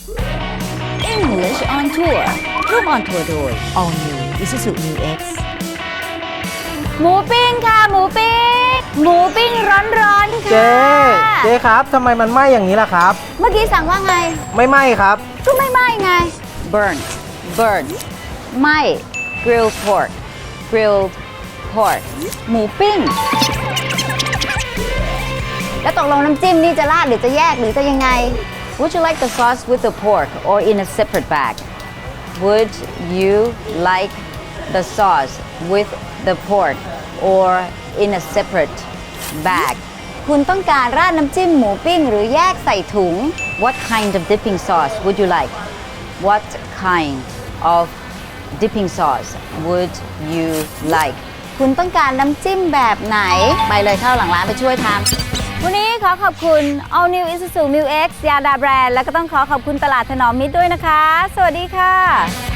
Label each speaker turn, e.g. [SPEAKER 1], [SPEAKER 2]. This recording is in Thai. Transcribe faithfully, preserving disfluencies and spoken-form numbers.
[SPEAKER 1] English on Tour ร่วมออนทัวร์โดย All New Isuzu Mu X หมูปิ้งค่ะหมูปิ้งหมูปิ้งร้อนๆค่ะ
[SPEAKER 2] เจ๊เจ๊ครับทำไมมันไหม้อย่างนี้ล่ะครับ
[SPEAKER 1] เมื่อกี้สั่งว่าไง
[SPEAKER 2] ไม่ไหม้ครับ
[SPEAKER 1] ก็ไม่ไหม้ไง burn burn ไหม้ grilled pork grilled pork หมูปิ้ง แล้วตกลงน้ำจิ้มนี่จะราดหรือจะแยกหรือจะยังไง Would you like the sauce with the pork or in a separate bag? Would you like the sauce with the pork or in a separate bag? คุณต้องการราดน้ำจิ้มหมูปิ้งหรือแยกใส่ถุง What kind of dipping sauce would you like? What kind of dipping sauce would you like? คุณต้องการน้ำจิ้มแบบไหน ไปเลยเข้าหลังร้านไปช่วยทำวันนี้ขอขอบคุณ All New Isuzu Mu X ยาดาแบรนด์และก็ต้องขอขอบคุณตลาดถนอมมิตรด้วยนะคะ สวัสดีค่ะ